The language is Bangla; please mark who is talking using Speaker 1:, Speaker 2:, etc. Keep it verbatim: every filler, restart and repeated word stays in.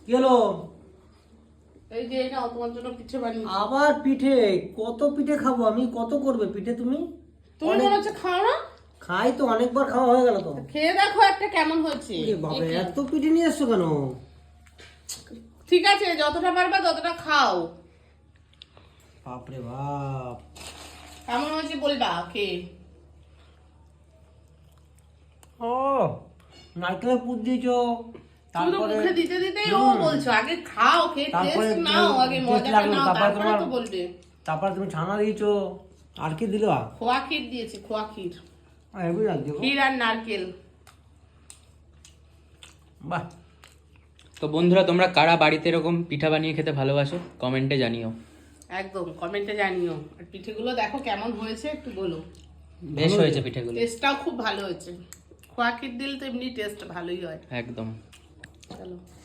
Speaker 1: কেলো
Speaker 2: এই যে এটা তোমার জন্য পিঠে বানিয়ে।
Speaker 1: আবার পিঠে? কত পিঠে খাবো আমি? কত করবে পিঠে তুমি?
Speaker 2: তুমি মনে হচ্ছে খাও না?
Speaker 1: খাই তো, অনেকবার খাওয়া হয়ে গেল তো।
Speaker 2: খেয়ে দেখো একটা কেমন হয়েছে।
Speaker 1: বাবা এত পিঠে নিয়ে এসছো কেন?
Speaker 2: ঠিক আছে যতটা পারবা ততটা খাও।
Speaker 1: বাপরে বাপ,
Speaker 2: কেমন হয়েছে বলবা কে?
Speaker 1: ও নারকেলের পুর দিয়েছো,
Speaker 2: তুমি তো মুখে দিতে দিতেই ও বলছো আগে খাও, খেয়ে টেস্ট নাও, আগে মজাটা নাও, তারপরে তো বলবে।
Speaker 1: তারপর তুমি ছানা দিয়েছো, আর কি দিলো?
Speaker 2: খোয়া ক্ষীর দিয়েছি, খোয়া ক্ষীর,
Speaker 1: হেভি লাগছে।
Speaker 2: ক্ষীর আর নারকেল।
Speaker 1: বাহ।
Speaker 3: তো বন্ধুরা, তোমরা কারা বাড়িতে এরকম পিঠা বানিয়ে খেতে ভালোবাসো কমেন্টে জানিও।
Speaker 2: একদম কমেন্টে জানিও। আর পিঠেগুলো দেখো কেমন হয়েছে একটু বলো।
Speaker 3: বেশ হয়েছে পিঠেগুলো,
Speaker 2: টেস্টটাও খুব ভালো হয়েছে। খোয়া ক্ষীর দিলে তো এমনি টেস্ট ভালোই হয়।
Speaker 3: একদম।
Speaker 2: চলো।